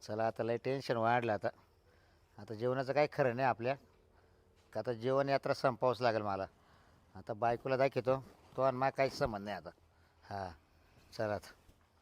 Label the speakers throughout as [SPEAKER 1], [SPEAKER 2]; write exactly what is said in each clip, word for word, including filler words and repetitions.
[SPEAKER 1] चला आता लय टेन्शन वाढलं आता. आता जेवणाचं काही खरं नाही आपल्या का. आता जेवण यात्रा संपवावंच लागेल मला. आता बायकोला दाखवतो तो आणि मला काहीच संबंध नाही आता. हां चला आता.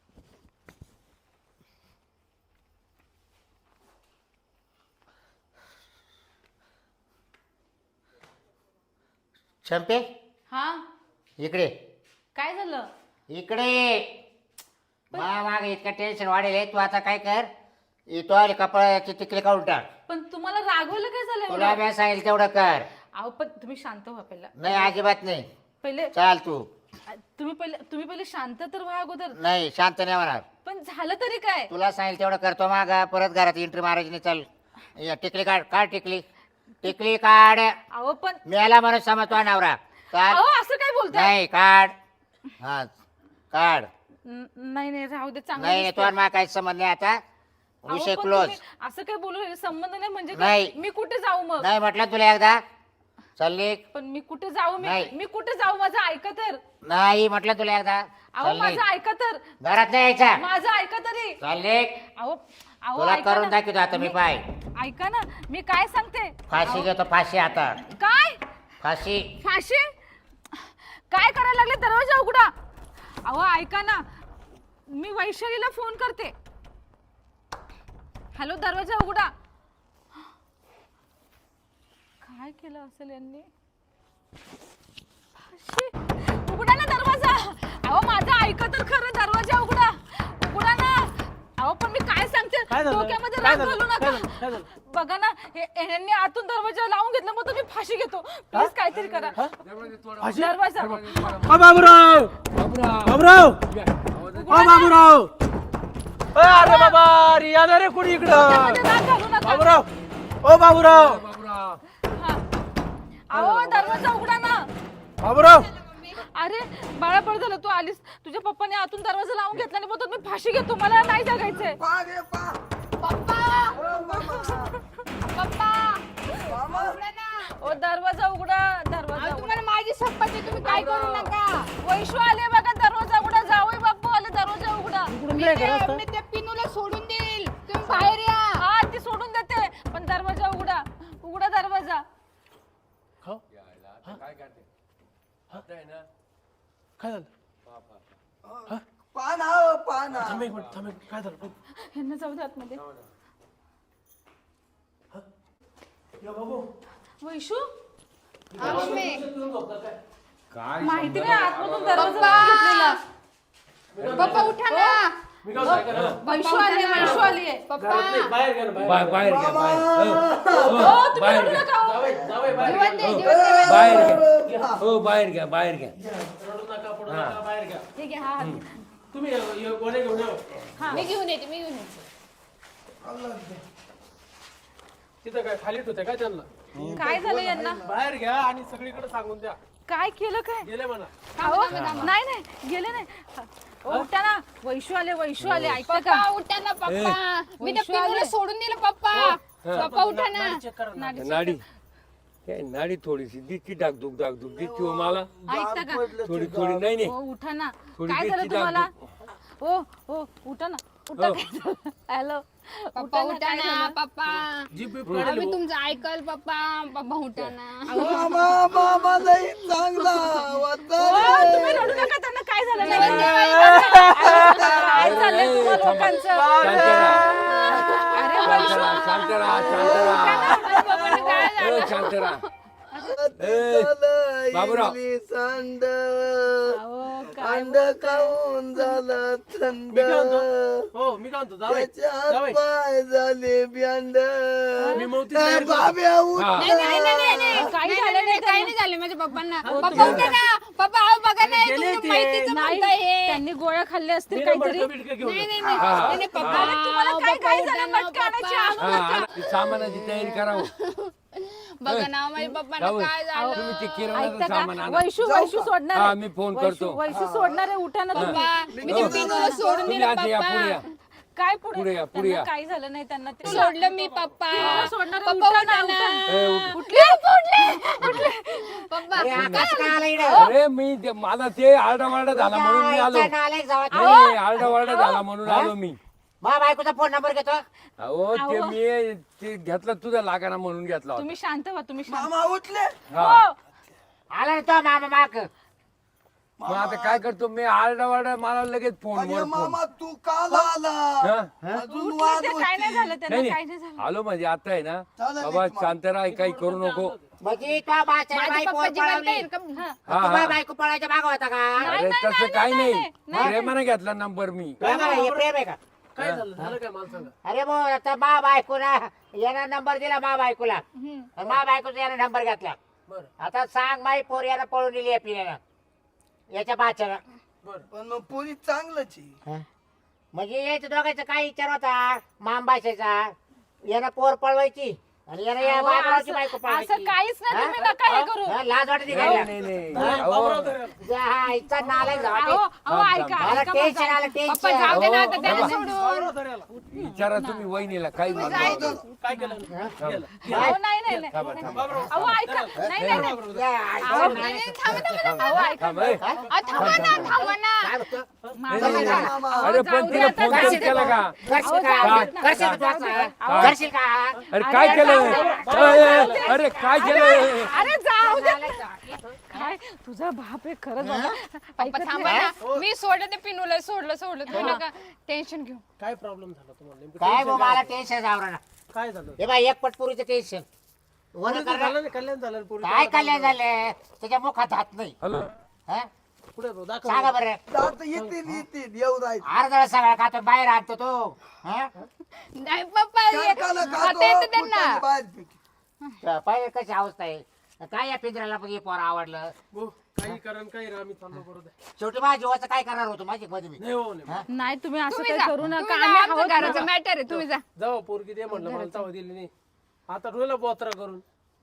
[SPEAKER 1] चंपे
[SPEAKER 2] हा
[SPEAKER 1] इकडे
[SPEAKER 2] काय झालं?
[SPEAKER 1] इकडे. मा माग इतकं टेन्शन वाढेल. तू आता काय कर, तो आले कपाळाची तिकडे काढून टाक.
[SPEAKER 2] पण तुम्हाला रागवलं काय झालं
[SPEAKER 1] तुला
[SPEAKER 2] एवढं?
[SPEAKER 1] मी सांगेल तेवढं कर.
[SPEAKER 2] अहो पण तुम्ही शांत व्हा पहिला.
[SPEAKER 1] नाही अजिबात नाही.
[SPEAKER 2] पहिले
[SPEAKER 1] चाल तू.
[SPEAKER 2] तुम्ही पहिले तुम्ही पहिले शांत तर व्हा अगोदर.
[SPEAKER 1] नाही शांत नाही होणार.
[SPEAKER 2] पण झालं तरी काय?
[SPEAKER 1] तुला सांगेल तेवढं करतो. मागा परत घरात एंट्री मारायची नाही. चल या टिकली काढ. काढ टिकली. टिकली काढ.
[SPEAKER 2] अहो पण
[SPEAKER 1] मेला म्हणून समजतो नवरा. काढ.
[SPEAKER 2] अहो असं काय बोलताय?
[SPEAKER 1] नाही काढ. हा काढ.
[SPEAKER 2] न- नाही नाही राहू दे चांगलं
[SPEAKER 1] नाही
[SPEAKER 2] दिसतंय.
[SPEAKER 1] तो मला काहीच संबंध नाही आता.
[SPEAKER 2] अहो,
[SPEAKER 1] विषय
[SPEAKER 2] पण
[SPEAKER 1] क्लोज.
[SPEAKER 2] तुम्ही असं काय बोलू राहिले? संबंध नाही म्हणजे
[SPEAKER 1] नाही.
[SPEAKER 2] काय? मी कुठे जाऊ मग?
[SPEAKER 1] नाही म्हटलं तुला एकदा. चल निघ.
[SPEAKER 2] पण मी कुठे जाऊ? मी
[SPEAKER 1] नाही.
[SPEAKER 2] मी कुठे जाऊ? माझं ऐका तर.
[SPEAKER 1] नाही म्हटलं तुला एकदा.
[SPEAKER 2] अहो
[SPEAKER 1] चल निघ.
[SPEAKER 2] माझं ऐका तर.
[SPEAKER 1] घरात नाही यायचा.
[SPEAKER 2] माझं ऐका तरी.
[SPEAKER 1] चल निघ.
[SPEAKER 2] अहो अहो
[SPEAKER 1] तुला
[SPEAKER 2] ऐका
[SPEAKER 1] करून
[SPEAKER 2] ना.
[SPEAKER 1] दाखवतो आता मी. पाय
[SPEAKER 2] ऐका ना मी काय सांगते.
[SPEAKER 1] फाशी घेतो. फाशी आता.
[SPEAKER 2] काय
[SPEAKER 1] फाशी.
[SPEAKER 2] फाशी? काय करायला लागले? दरवाजा उघडा. अहो ऐका ना, मी वैशालीला फोन करते. हॅलो दरवाजा उघडा. काय केलं असेल यांनी? फाशी? उघडा ना दरवाजा. अहो माझा ऐका तर खरं. दरवाजा उघडा. उघडा ना. अहो पण मी काय सांगते,
[SPEAKER 3] काय झालं?
[SPEAKER 2] डोक्यामध्ये
[SPEAKER 3] काय
[SPEAKER 2] राग
[SPEAKER 3] झालं?
[SPEAKER 2] घालू
[SPEAKER 3] काय
[SPEAKER 2] नका.
[SPEAKER 3] झालं? काय झालं?
[SPEAKER 2] बघा ना हे- यांनी आतून दरवाजा लावून घेतला, मग तुम्ही फाशी घेतो. प्लीज काहीतरी करा.
[SPEAKER 3] फाशी?
[SPEAKER 2] दरवाजा
[SPEAKER 3] ओ बाबूराव बाबूराव ओ बाबूराव. अ, अरे बाबा अरे या ना रे कोणी इकडं.
[SPEAKER 2] डोक्यामध्ये राग घालू नका.
[SPEAKER 3] बाबूराव ओ बाबूराव
[SPEAKER 2] हा. अहो दरवाजा उघडा ना.
[SPEAKER 3] बाबूराव.
[SPEAKER 2] अरे बाळा बरं झालं तू आलीस. तुझ्या पप्पाने आतून दरवाजा लावून घेतला आणि मग मी फाशी घेतो. मला नाही जगायचंय. ओ दरवाजा उघडा. दरवाजा उघडा.
[SPEAKER 4] तुम्हाला माझी शपथ आहे, तुम्ही काय करू नका.
[SPEAKER 2] वैशू आले बघा. दरवाजा उघडा. जावई बापू आले. दरवाजा उघडा.
[SPEAKER 3] इकडून नाही घरात.
[SPEAKER 4] मी त्या पिनूला सोडून देईल, तुम्ही बाहेर या.
[SPEAKER 2] हा ती सोडून देते, पण दरवाजा उघडा. उघडा दरवाजा.
[SPEAKER 3] खाऊ? काय झालं?
[SPEAKER 5] पान हा पान हा.
[SPEAKER 3] थांब एक मिनिट थांब एक मिनिट. काय झालं?
[SPEAKER 2] ह्यांना जाऊ दे आतमध्ये.
[SPEAKER 3] या बाबू.
[SPEAKER 2] वैशू
[SPEAKER 4] हा, मम्मी.
[SPEAKER 2] माहिती नाही आतमधून दरवाजा लावून घेतलेला.
[SPEAKER 4] पप्पा उठा ना.
[SPEAKER 3] मी काय सांगायचं ना?
[SPEAKER 2] वैशू आली. वैशू आली आहे.
[SPEAKER 4] पप्पा
[SPEAKER 3] घरात नाही, बाहेर घ्या ना, बाहेर.
[SPEAKER 6] बाहेर बाहेर घ्या बाहेर
[SPEAKER 2] हो तुम्ही
[SPEAKER 6] बाहेर
[SPEAKER 2] रडू
[SPEAKER 6] घ्या.
[SPEAKER 2] नका हो.
[SPEAKER 3] जावई, जावई, बाहेर
[SPEAKER 4] जीवन
[SPEAKER 3] घ्या.
[SPEAKER 4] दे, जीवन दे.
[SPEAKER 6] बाहेर घ्या हो बाहेर घ्या बाहेर घ्या
[SPEAKER 3] रडू नका पडू नका बाहेर घ्या.
[SPEAKER 2] हे घे, हा हात.
[SPEAKER 3] तुम्ही ये- ये गोणे घेऊन या.
[SPEAKER 4] मी घेऊन येते, मी घेऊन येते.
[SPEAKER 3] तिथं काय खाली होते काय त्यांना?
[SPEAKER 2] काय झालं यांना?
[SPEAKER 3] बाहेर घ्या आणि सगळीकडे सांगून द्या.
[SPEAKER 2] काय केलं काय?
[SPEAKER 3] गेले म्हणा.
[SPEAKER 2] अहो, नाही नाही गेले नाही. ओ, उठा ना. वैशू आले. वैशू आले. ऐकता का?
[SPEAKER 4] पप्पा उठा ना पप्पा. मी त्या पिनूला सोडून दिलं पप्पा. पप्पा उठा ना.
[SPEAKER 3] चेक करा ना.
[SPEAKER 6] नाडी काय नाडी थोडीशी दिसती डागदुग डागदुग दिसती हो मला
[SPEAKER 2] ऐकता का?
[SPEAKER 6] थोडी थोडी नाही नाही
[SPEAKER 2] ओ उठा ना.
[SPEAKER 6] थोडी
[SPEAKER 2] काय झालं
[SPEAKER 6] दिसती
[SPEAKER 2] तुम्हाला?
[SPEAKER 6] डागडुग.
[SPEAKER 2] ओ ओ उठा ना. उठा. हॅलो.
[SPEAKER 4] पप्पा उठा ना पप्पा.
[SPEAKER 3] जीप बीप
[SPEAKER 4] आम्ही
[SPEAKER 3] काढेल.
[SPEAKER 4] तुमचं ऐकल पप्पा. पप्पा उठा ना.
[SPEAKER 5] मामा मामा लई चांगला होता
[SPEAKER 2] ओ,
[SPEAKER 5] रे.
[SPEAKER 2] तुम्ही रडू नका. त्यांना काय झालं नाही. काय चाललंय तुम्हा लोकांचं?
[SPEAKER 6] शांत राहा,
[SPEAKER 2] अरे
[SPEAKER 6] शांत
[SPEAKER 2] वैशू.
[SPEAKER 6] राहा, शांत राहा, शांत राहा.
[SPEAKER 4] पप्पांना काय झालं?
[SPEAKER 6] ए, शांत राहा.
[SPEAKER 5] झालं
[SPEAKER 6] बाबूराव.
[SPEAKER 5] इडली सांड
[SPEAKER 2] अहो, काय
[SPEAKER 5] अंड खाऊन झालं थंड
[SPEAKER 3] मी काय म्हणतो? हो मी काय म्हणतो जावई,
[SPEAKER 5] त्याच्या
[SPEAKER 3] जावई.
[SPEAKER 5] पाय झाले ब्यांड
[SPEAKER 3] मी मौतीत तयार करतो.
[SPEAKER 5] बाब्या उठ
[SPEAKER 6] हा.
[SPEAKER 4] नाही, नाही, नाही, नाही, नाही.
[SPEAKER 2] काही
[SPEAKER 4] नाही,
[SPEAKER 2] झालं
[SPEAKER 4] नाही,
[SPEAKER 2] नाही
[SPEAKER 4] काही नाही झालं माझ्या पप्पांना. पप्पा
[SPEAKER 3] तुम्ही-
[SPEAKER 4] उठा ना. पप्पा अहो बघा ना,
[SPEAKER 3] गेले
[SPEAKER 4] तुमच्या
[SPEAKER 3] ते.
[SPEAKER 4] माहितीचं
[SPEAKER 2] नाही
[SPEAKER 4] म्हणताय हे.
[SPEAKER 2] त्यांनी गोळ्या खाल्ल्या असतील
[SPEAKER 3] मी ना
[SPEAKER 2] काहीतरी.
[SPEAKER 3] मडकं बिडकं घेऊन
[SPEAKER 4] नाही,
[SPEAKER 3] येतो.
[SPEAKER 4] नाही, नाही. नाही, नाही, पप्पा.
[SPEAKER 2] अरे, तुम्हाला
[SPEAKER 4] अहो,
[SPEAKER 2] काय
[SPEAKER 4] पप्पा
[SPEAKER 2] काय
[SPEAKER 4] उठा
[SPEAKER 2] झालं?
[SPEAKER 4] ना,
[SPEAKER 2] मटका आणायची
[SPEAKER 4] पप्पा.
[SPEAKER 2] आणू
[SPEAKER 6] हा,
[SPEAKER 2] नका.
[SPEAKER 6] आणि सामानाची तयारी करावं
[SPEAKER 4] बघा ना माझ्या पप्पांना
[SPEAKER 6] जावई,
[SPEAKER 4] काय झालं.
[SPEAKER 6] तुम्ही ते
[SPEAKER 2] ऐकता
[SPEAKER 6] किराणाचं सामान
[SPEAKER 2] का?
[SPEAKER 6] आणा.
[SPEAKER 2] वैशू वैशू सोडणार
[SPEAKER 6] हा,
[SPEAKER 2] आहे.
[SPEAKER 6] मी फोन
[SPEAKER 2] वैशू-
[SPEAKER 6] करतो.
[SPEAKER 2] वैशू सोडणार आहे. उठा ना तुम्ही.
[SPEAKER 4] पप्पा मी त्या पिनूला सोडून
[SPEAKER 6] तुम्ही
[SPEAKER 4] दिलं
[SPEAKER 6] आता या पुढे या.
[SPEAKER 4] पप्पा.
[SPEAKER 2] काय
[SPEAKER 6] पुढे
[SPEAKER 2] पुढे
[SPEAKER 6] या, पुढे
[SPEAKER 2] त्यांना
[SPEAKER 6] या.
[SPEAKER 2] काय झालं नाही त्यांना ते
[SPEAKER 4] सोडलं मी पप्पा.
[SPEAKER 2] पिनूला सोडणार आहे.
[SPEAKER 4] पप्पा
[SPEAKER 2] उठा ना,
[SPEAKER 4] उठा ना.
[SPEAKER 6] ए, उठ.
[SPEAKER 4] उठले उठले उठले पप्पा
[SPEAKER 6] अरे मी ते- मला ते आरडावारडा झाला म्हणून मी आलो नाही आरडावारडा झाला म्हणून आलो मी
[SPEAKER 1] मा बायकोचा फोन नंबर घेतो.
[SPEAKER 6] अहो ते मी ते घेतला तुझा लागाना म्हणून घेतला होता.
[SPEAKER 2] तुम्ही शांत व्हा तुम्ही शांत
[SPEAKER 5] मामा उठले
[SPEAKER 6] हा.
[SPEAKER 2] हो.
[SPEAKER 1] आला ना तो मामा माग.
[SPEAKER 6] मग आता काय करतो मी आरडा वारडा मला लगेच फोन
[SPEAKER 5] अरे
[SPEAKER 6] वर फोन
[SPEAKER 5] मामा तू काल आला
[SPEAKER 6] हा?
[SPEAKER 5] अजून
[SPEAKER 2] उठले
[SPEAKER 5] वाद
[SPEAKER 2] ते, काय नाही
[SPEAKER 5] होती.
[SPEAKER 2] झालं त्यांना,
[SPEAKER 6] नाही
[SPEAKER 2] काय नाही
[SPEAKER 6] नाही
[SPEAKER 2] झालं.
[SPEAKER 6] आलो म्हणजे आता आहे ना
[SPEAKER 5] चालेल,
[SPEAKER 6] बाबा
[SPEAKER 5] एक
[SPEAKER 6] शांत राहा काही करू नको.
[SPEAKER 1] म्हणजे तो बाच्या
[SPEAKER 4] माझ्या
[SPEAKER 1] बायको
[SPEAKER 4] पप्पा जिवंत
[SPEAKER 1] पळवली.
[SPEAKER 4] आहेत का?
[SPEAKER 2] हा.
[SPEAKER 6] हा
[SPEAKER 1] तुम्हाला
[SPEAKER 6] हा
[SPEAKER 1] बायको पळायच्या माग होता का?
[SPEAKER 6] अरे तसं काही नाही प्रेमाने घेतला नंबर मी.
[SPEAKER 1] प्रेम आहे, हे प्रेम आहे का?
[SPEAKER 3] काय झालं झालं काय मला सांगा.
[SPEAKER 1] अरे भाऊ आता मा बायकोला यानं नंबर दिला मा बायकोला. मा बायकोचा यानं नंबर घेतला.
[SPEAKER 3] बरं
[SPEAKER 1] आता सांग माई पोर यानं पळून दिली आपल्याला याच्या बाच्याला.
[SPEAKER 3] बरं
[SPEAKER 5] पण मग पोरी चांगलंच आहे.
[SPEAKER 1] म्हणजे याच्या दोघांचा काय विचार होता माम बायचा यानं पोर पळवायची आणि यानं या
[SPEAKER 2] अहो,
[SPEAKER 1] बाबरावची
[SPEAKER 2] असं
[SPEAKER 1] बायको
[SPEAKER 2] असं
[SPEAKER 1] पळवायची.
[SPEAKER 2] काहीच नाही, तुम्ही नका हे करू.
[SPEAKER 1] हा, लाज वाटते
[SPEAKER 6] नाही
[SPEAKER 1] काय?
[SPEAKER 6] नाही नाही
[SPEAKER 3] नाही,
[SPEAKER 6] अहो,
[SPEAKER 3] बाबूराव धरा.
[SPEAKER 1] हा, इतका नालायक
[SPEAKER 2] अहो
[SPEAKER 1] झाला.
[SPEAKER 2] अहो
[SPEAKER 6] थांब,
[SPEAKER 2] ऐका
[SPEAKER 1] मला
[SPEAKER 2] ऐका
[SPEAKER 1] टेन्शन
[SPEAKER 2] माझं.
[SPEAKER 1] आलं
[SPEAKER 4] पप्पा जाऊ
[SPEAKER 1] टेन्शन.
[SPEAKER 4] दे ना
[SPEAKER 6] अहो,
[SPEAKER 4] आता त्याला
[SPEAKER 6] बाबा.
[SPEAKER 4] सोडून.
[SPEAKER 3] बाबूराव धरायला.
[SPEAKER 6] विचारा तुम्ही वहिनीला काही
[SPEAKER 3] काय केलं गेलं.
[SPEAKER 2] अहो नाही नाही नाही.
[SPEAKER 6] थांबा, थांबा.
[SPEAKER 2] अहो ऐका नाही नाही नाही.
[SPEAKER 1] या,
[SPEAKER 4] नाही, नाही, थांबा, थांबा, थांबा.
[SPEAKER 2] अहो ऐका.
[SPEAKER 6] थांब, ए.
[SPEAKER 4] अ, थांबा ना थांबा ना.
[SPEAKER 1] काय म्हणतो?
[SPEAKER 2] माझं
[SPEAKER 6] नाही,
[SPEAKER 2] ऐका.
[SPEAKER 6] नाही.
[SPEAKER 5] मामा.
[SPEAKER 6] अरे
[SPEAKER 2] जाऊ
[SPEAKER 6] पण
[SPEAKER 2] दे
[SPEAKER 6] तिने
[SPEAKER 2] आता,
[SPEAKER 6] फोन
[SPEAKER 2] जाऊ
[SPEAKER 6] कशी
[SPEAKER 2] दे.
[SPEAKER 6] केला का?
[SPEAKER 1] करशील
[SPEAKER 2] अहो,
[SPEAKER 1] का?
[SPEAKER 2] जाऊ दे ना.
[SPEAKER 1] करशील का तू
[SPEAKER 2] जाऊ दे.
[SPEAKER 1] असं?
[SPEAKER 2] अहो,
[SPEAKER 1] करशील का?
[SPEAKER 6] अरे काय
[SPEAKER 2] अरे,
[SPEAKER 6] केलं
[SPEAKER 2] जाऊ दे.
[SPEAKER 6] अरे, अरे काय केलं
[SPEAKER 2] अरे जाऊ दे. काय तुझा बाप आहे खरंच बाबा.
[SPEAKER 4] पप्पा
[SPEAKER 2] ऐकत
[SPEAKER 4] थांबा
[SPEAKER 2] नाही.
[SPEAKER 4] ना. मी सोडलं ते पिनूला सोडलं सोडलं तुम्ही नका टेन्शन घेऊ.
[SPEAKER 3] काय प्रॉब्लेम झाला तुम्हाला नेमकं?
[SPEAKER 1] काय
[SPEAKER 3] टेन्शन
[SPEAKER 1] भाऊ मला टेन्शन जावरा ना.
[SPEAKER 3] काय झालं
[SPEAKER 1] हे बाय एक पटपुरीचं टेन्शन. वन
[SPEAKER 3] पोरीचं
[SPEAKER 1] करणार
[SPEAKER 3] झालं नाही, कल्याण झालं ना पोरीचं.
[SPEAKER 1] काय कल्याण झालं त्याच्या मुखात हात नाही.
[SPEAKER 6] हॅलो
[SPEAKER 1] हा?
[SPEAKER 3] पुढे भाऊ, दाखव.
[SPEAKER 1] सांगा बरं.
[SPEAKER 5] दात येतील येतील येऊ राहील.
[SPEAKER 1] अर्धा सगळा खातो बाहेर आणतो तो. हा?
[SPEAKER 4] नाही पप्पा ये-
[SPEAKER 5] काकाला
[SPEAKER 4] आता
[SPEAKER 5] खातो,
[SPEAKER 4] येतं त्यांना.
[SPEAKER 5] फुटाने बाहेर फेकी.
[SPEAKER 1] पाहिजे कशी अवस्था आहे. काय या पिंजऱ्याला पण हे पोर आवडलं.
[SPEAKER 3] भाऊ, काही करा आणि काही राहा, मी चाललो बरोबर आहे.
[SPEAKER 1] शेवटी माझ्या जीवाचं काय करणार होतो माझी मध्ये मी.
[SPEAKER 3] नाही हो नाही
[SPEAKER 2] नाही तुम्ही असं
[SPEAKER 4] तुम्ही
[SPEAKER 2] काही
[SPEAKER 4] जा.
[SPEAKER 2] करू
[SPEAKER 4] तुम्ही
[SPEAKER 2] नका.
[SPEAKER 4] जा,
[SPEAKER 2] आम्ही
[SPEAKER 4] आमचं
[SPEAKER 2] आहोत
[SPEAKER 4] घराचं
[SPEAKER 2] ना.
[SPEAKER 4] मॅटर आहे तुम्ही जा.
[SPEAKER 3] जाऊ पोरगी दे म्हणलं मला चावा दिली नाही. आता रोयला बोत्रा करून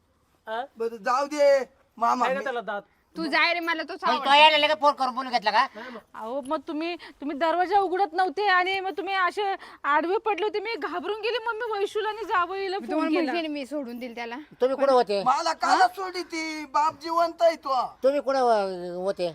[SPEAKER 3] हा?
[SPEAKER 5] बरं जाऊ दे मामा.
[SPEAKER 3] काय का त्याला दात
[SPEAKER 4] तू जाय रे मला तो
[SPEAKER 1] म्हणजे तो यायला लगेच फोन करून बोलून घेतला का?
[SPEAKER 2] अहो मग तुम्ही तुम्ही दरवाजा उघडत नव्हते आणि मग तुम्ही असे आडवे पडले होते. मी घाबरून गेली. मग मी वैशूला आणि जावईला फोन
[SPEAKER 4] तुम्हाला
[SPEAKER 2] केला.
[SPEAKER 4] माहिती मी सोडून दिल त्याला.
[SPEAKER 1] तुम्ही कुठं होते?
[SPEAKER 5] मला काला सोडी ती बाप जिवंत आहे तो.
[SPEAKER 1] तुम्ही कुठं व- होते?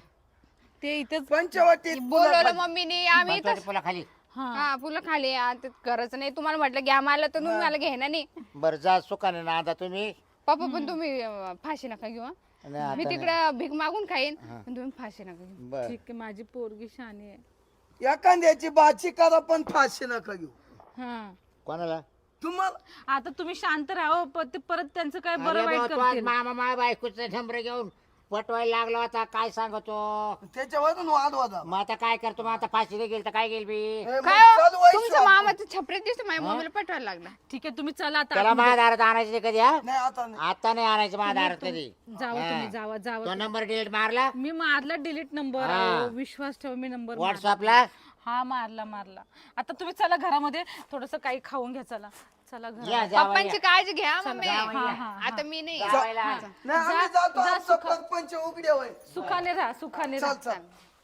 [SPEAKER 2] ते इथेच
[SPEAKER 5] पंचवटीत
[SPEAKER 4] बोलवलं मम्मीने आम्ही इथं
[SPEAKER 1] पुला खाली.
[SPEAKER 2] हा
[SPEAKER 4] हा फुलं खाली आता गरज नाही तुम्हाला म्हटलं घ्या मला तर तुम्ही मला घेणार नाही.
[SPEAKER 1] बरं जा सुखाने ना आता तुम्ही.
[SPEAKER 4] पप्पा पण तुम्ही अं, फाशी नका घेऊ हं.
[SPEAKER 1] नाही, आता
[SPEAKER 4] मी
[SPEAKER 1] नाही.
[SPEAKER 4] तिकडे भीक मागून खाईन पण तुम्ही फाशी नका घेऊ.
[SPEAKER 1] बरं.
[SPEAKER 2] ठीक आहे. माझी पोरगी शानी आहे.
[SPEAKER 5] एखाद्याची बाची करा पण फाशी नका घेऊ.
[SPEAKER 2] हा
[SPEAKER 1] कोणाला?
[SPEAKER 5] तुम्हाला
[SPEAKER 2] आता तुम्ही शांत राहा. प- ते परत त्यांचं काय
[SPEAKER 1] अरे
[SPEAKER 2] बरं वाईट
[SPEAKER 1] भाऊ, तो आज
[SPEAKER 2] करतील.
[SPEAKER 1] मामा मा बायकोचं नंबर घेऊन पटवायला लागला होता. काय सांगतो
[SPEAKER 5] त्याच्यावरून वाद वादा.
[SPEAKER 1] मग आता काय करतो? मग आता फाशीला गेल तर काय गेल बी?
[SPEAKER 5] ए, मग
[SPEAKER 4] काय हो?
[SPEAKER 5] चल वैशू
[SPEAKER 4] तुमचं
[SPEAKER 5] आपण.
[SPEAKER 4] मामाचं छपरे दिसतं माझ्या मम्मीला पटवायला लागला.
[SPEAKER 2] ठीक आहे तुम्ही चला आता
[SPEAKER 1] त्याला
[SPEAKER 2] आतमध्ये.
[SPEAKER 1] माझ्या दारात आणायचं नाही कधी. हा?
[SPEAKER 5] नाही आता नाही.
[SPEAKER 1] आता नाही आणायचं माझ्या दारात कधी.
[SPEAKER 2] जावा
[SPEAKER 1] हा.
[SPEAKER 2] तुम्ही जावा जावा.
[SPEAKER 1] तो नंबर डिलीट मारला
[SPEAKER 2] मी मारला डिलीट नंबर.
[SPEAKER 1] हा.
[SPEAKER 2] विश्वास ठेव मी नंबर
[SPEAKER 1] व्हॉट्सअपला.
[SPEAKER 2] हा मारला मारला. आता तुम्ही चला घरामध्ये थोडस काही खाऊन घ्या. चला चला घरा.
[SPEAKER 1] या जावई
[SPEAKER 4] पप्पांची
[SPEAKER 1] या.
[SPEAKER 4] काळजी घ्या मम्मी.
[SPEAKER 2] हा, हा,
[SPEAKER 4] आता मी नाही.
[SPEAKER 1] जावईला.
[SPEAKER 5] नाही आम्ही जातो आमचं परपंच उघडे होय.
[SPEAKER 2] सुखाने राहा सुखाने
[SPEAKER 5] चल
[SPEAKER 2] राहा.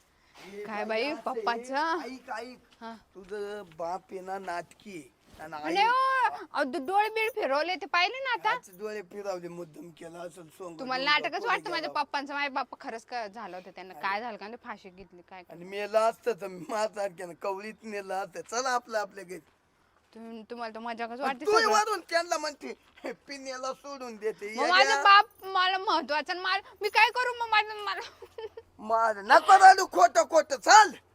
[SPEAKER 5] चल.
[SPEAKER 4] काय बाई पप्पाचं
[SPEAKER 5] ऐक ऐक तुझं बाप आहे ना नाटकी आहे. आणि आई
[SPEAKER 4] आणि हो, अहो, दो- डोळे बीळ फिरवले ते पाहिले ना आता.
[SPEAKER 5] आजचे डोळे फिरवले मुद्दम केला असं सोंग
[SPEAKER 4] तुम्हाला नाटकच वाटतं माझ्या पप्पांचं माझ्या बाप्पा खरंच का झालं होतं त्यांना काय झालं का ते फाशी घेतली काय
[SPEAKER 5] आणि मेलं असतं तर माझ्यासारख्यानं कवळीत नेलं असतं. चला आपलं आपल्या घरी.
[SPEAKER 4] तुम- तुम्हाला तर मजाकच वाटते
[SPEAKER 5] तू
[SPEAKER 4] सगळं.
[SPEAKER 5] वरून त्यांना म्हणते "हे पिण्याला सोडून देते
[SPEAKER 4] मग माझा बाप मला महत्वाचा आणि मला मी काय करू मग माझं मला
[SPEAKER 5] माझ नको रडू खोट खोट चाल